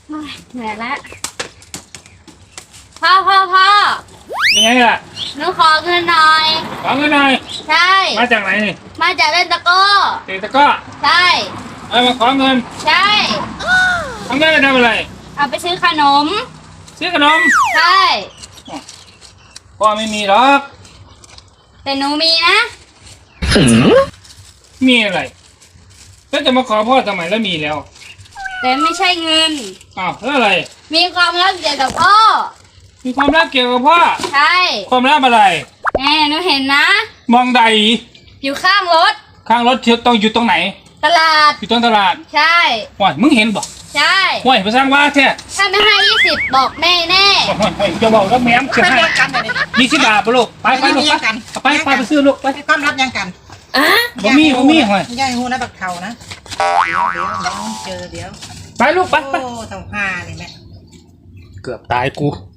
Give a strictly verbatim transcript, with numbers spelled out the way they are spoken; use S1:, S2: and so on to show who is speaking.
S1: เหนื่อยแล้วพ่อพ่อพ่อ
S2: ยังไงล่ะ
S1: หนูขอเงินหน่อย
S2: ขอเงินหน่อย
S1: ใช่
S2: มาจากไหนนี่
S1: มาจากเล่นตะก้อ
S2: เตะตะก้อ
S1: ใช่
S2: เอามาขอเงิน
S1: ใช่
S2: เอาเงินไปทำอะไร
S1: เอาไปซื้อขนม
S2: ซื้อขนม
S1: ใช่
S2: พ่อไม่มีหรอก
S1: แต่หนูมีนะ
S2: มีอะไรแล้วจะมาขอพ่อทำไมแล้วมีแล้ว
S1: แต่ไม่ใช่เงิน
S2: อ้าวแล้วอะไร
S1: มีความรักเกี่ยวกับพ่อ
S2: มีความรักเกี่ยวกับพ่อ
S1: ใช่
S2: ความรักอะไร
S1: แม่หนูเห็นนะ
S2: มองใด
S1: อยู่ข้างรถ
S2: ข้างรถต้องอยู่ตรงไหน
S1: ตลาด
S2: อยู่ตรงตลาด
S1: ใช่
S2: ว้ายมึงเห็นบ่
S1: ใช่
S2: ว้ายไปสร้างว่าแท้
S1: ถ้าไม่ให้ยี่สิบบอกแม่แน่
S2: ว้ายจะบอกแล้วแม่จะให้ยี่สิบบาทปะลูกไปไปลูกไปไปไปไปซื้อลูกไป
S3: ความรับยังกัน
S2: บ่มีบ่มีหอย
S3: ย่าหูนะบักเข่านะเดี๋ยวเดี๋ยวเดี๋ยวเจอเดี๋ยว
S2: ไปลูกไปไป
S3: โอ้เท่าห้าเลยแม่
S2: เกือบตายกู